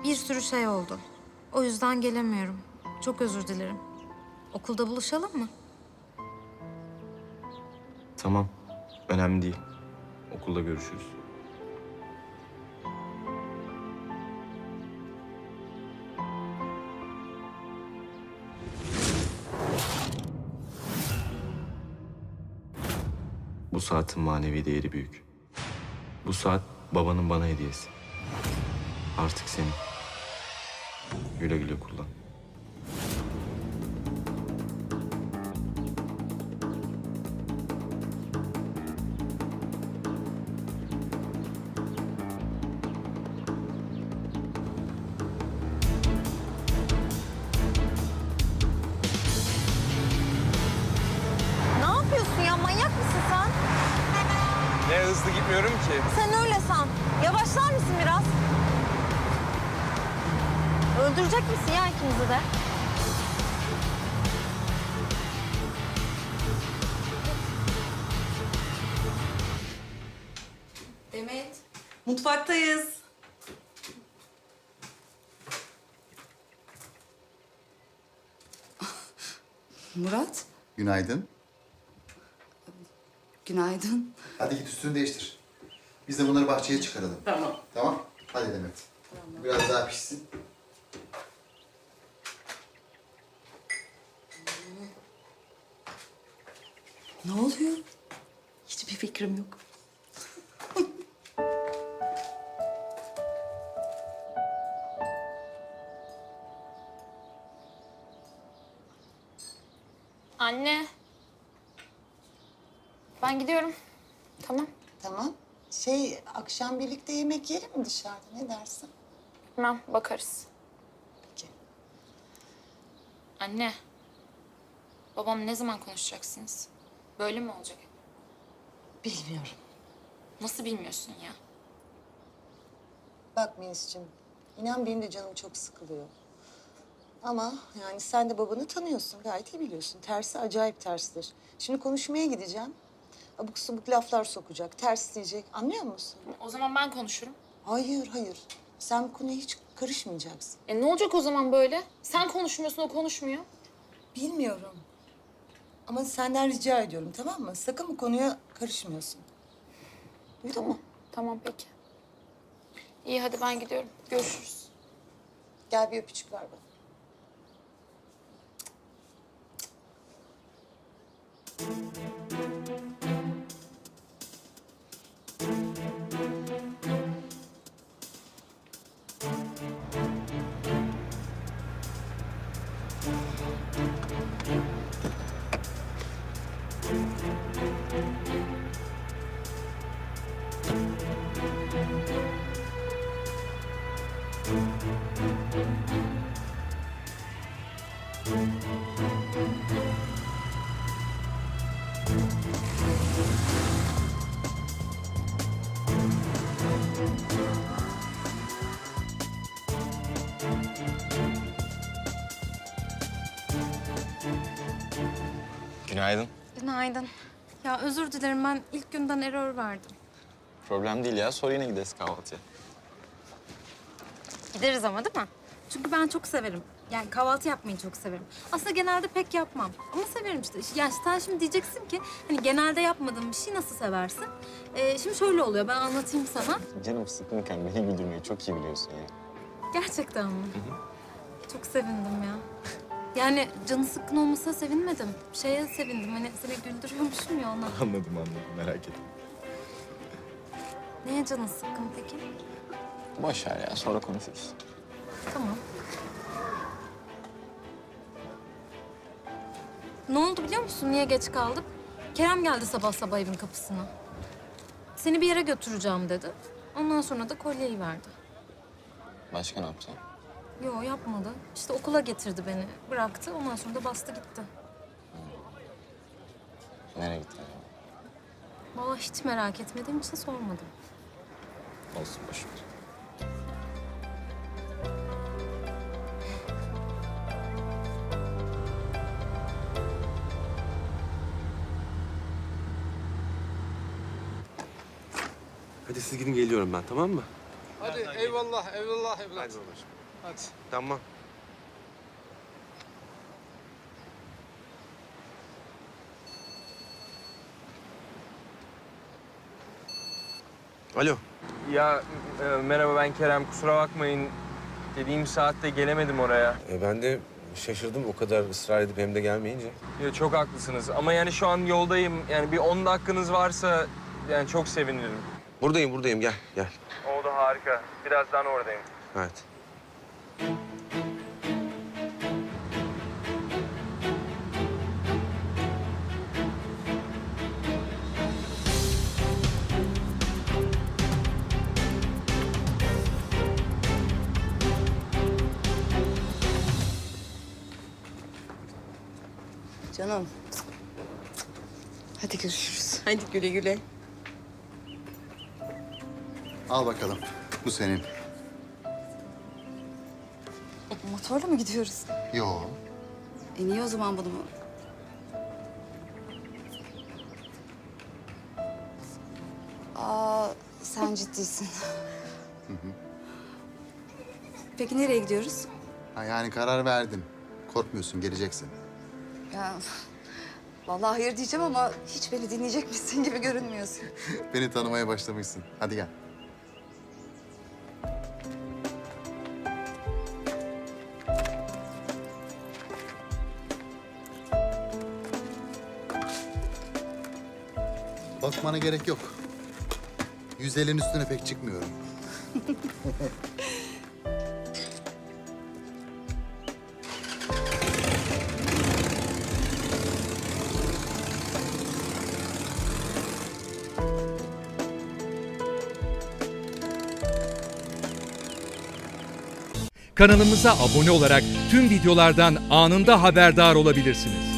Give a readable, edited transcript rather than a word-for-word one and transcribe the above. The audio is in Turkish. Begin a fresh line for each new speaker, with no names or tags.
Bir sürü şey oldu. O yüzden gelemiyorum. Çok özür dilerim. Okulda buluşalım mı?
Tamam. Önemli değil. Okulda görüşürüz. Bu saatin manevi değeri büyük. Bu saat babanın bana hediyesi. Artık senin. Güle güle kullan.
Ne yapıyorsun ya? Manyak mısın sen?
Ne hızlı gitmiyorum ki.
Sen öyle san. Yavaşlar mısın biraz? Öldürecek misin ya ikimizi de?
Demet, mutfaktayız. Murat,
Günaydın.
günaydın.
Hadi git üstünü değiştir. Biz de bunları bahçeye çıkaralım.
Tamam.
Tamam? Hadi Demet. Biraz daha pişsin.
Ne oluyor? Hiçbir fikrim yok.
Anne. Ben gidiyorum. Tamam.
Tamam. Akşam birlikte yemek yiyelim mi dışarıda? Ne dersin?
Tamam, bakarız.
Peki.
Anne. Babam ne zaman konuşacaksınız? Böyle mi olacak?
Bilmiyorum.
Nasıl bilmiyorsun ya?
Bak Melis'ciğim, inan benim de canım çok sıkılıyor. Ama yani sen de babanı tanıyorsun, gayet iyi biliyorsun. Tersi acayip terstir. Şimdi konuşmaya gideceğim. Abuk subuk laflar sokacak, ters diyecek. Anlıyor musun?
O zaman ben konuşurum.
Hayır, hayır. Sen bu konuya hiç karışmayacaksın.
Ne olacak o zaman böyle? Sen konuşmuyorsun, o konuşmuyor.
Bilmiyorum. Ama senden rica ediyorum, tamam mı? Sakın bu konuya karışmıyorsun. Duydun mu?
Tamam peki. İyi hadi ben gidiyorum. Görüşürüz.
Gel bir öpücük ver bana.
Günaydın.
Günaydın. Ya özür dilerim, ben ilk günden error verdim.
Problem değil ya. Sonra yine gideriz kahvaltıya.
Gideriz ama değil mi? Çünkü ben çok severim. Yani kahvaltı yapmayı çok severim. Aslında genelde pek yapmam. Ama severim işte. Ya sen şimdi diyeceksin ki hani genelde yapmadığın bir şey nasıl seversin? Şimdi şöyle oluyor, ben anlatayım sana.
Canım sıkınken beni güldürmeyi çok iyi biliyorsun ya.
Gerçekten mi? Çok sevindim ya. Yani canı sıkkın olmasına sevinmedim. Şeye sevindim, hani seni güldürüyormuşum ya ona.
Anladım merak etme.
Neye canın sıkkın peki?
Boş ver ya sonra konuşuruz.
Tamam. Ne oldu biliyor musun? Niye geç kaldık? Kerem geldi sabah sabah evin kapısına. Seni bir yere götüreceğim dedi. Ondan sonra da kolyeyi verdi.
Başka ne yapacağım?
Yo yapmadı. İşte okula getirdi beni. Bıraktı. Ondan sonra da bastı gitti.
Nereye gittin acaba?
Vallahi hiç merak etmediğim için sormadım.
Olsun boş ver.
Hadi siz gidin, geliyorum ben, tamam mı? Hadi eyvallah, eyvallah evlat.
Hadi babacığım.
Hadi.
Tamam. Alo.
Ya merhaba, ben Kerem, kusura bakmayın. Dediğim saatte gelemedim oraya.
Ben de şaşırdım o kadar ısrar edip hem de gelmeyince.
Ya, çok haklısınız ama yani şu an yoldayım. Yani bir 10 dakikanız varsa yani çok sevinirim.
Buradayım gel.
Oldu, harika. Birazdan oradayım.
Evet.
Canım. Hadi görüşürüz. Hadi güle güle.
Al bakalım. Bu senin.
Motorla mı gidiyoruz?
Yo.
Niye o zaman bunu mu? Sen ciddisin. Peki nereye gidiyoruz?
Ha, yani karar verdin. Korkmuyorsun, geleceksin.
Ya vallahi hayır diyeceğim ama hiç beni dinleyecek misin gibi görünmüyorsun.
Beni tanımaya başlamışsın. Hadi gel. Bakmana gerek yok. 150'nin üstüne pek çıkmıyorum.
Kanalımıza abone olarak tüm videolardan anında haberdar olabilirsiniz.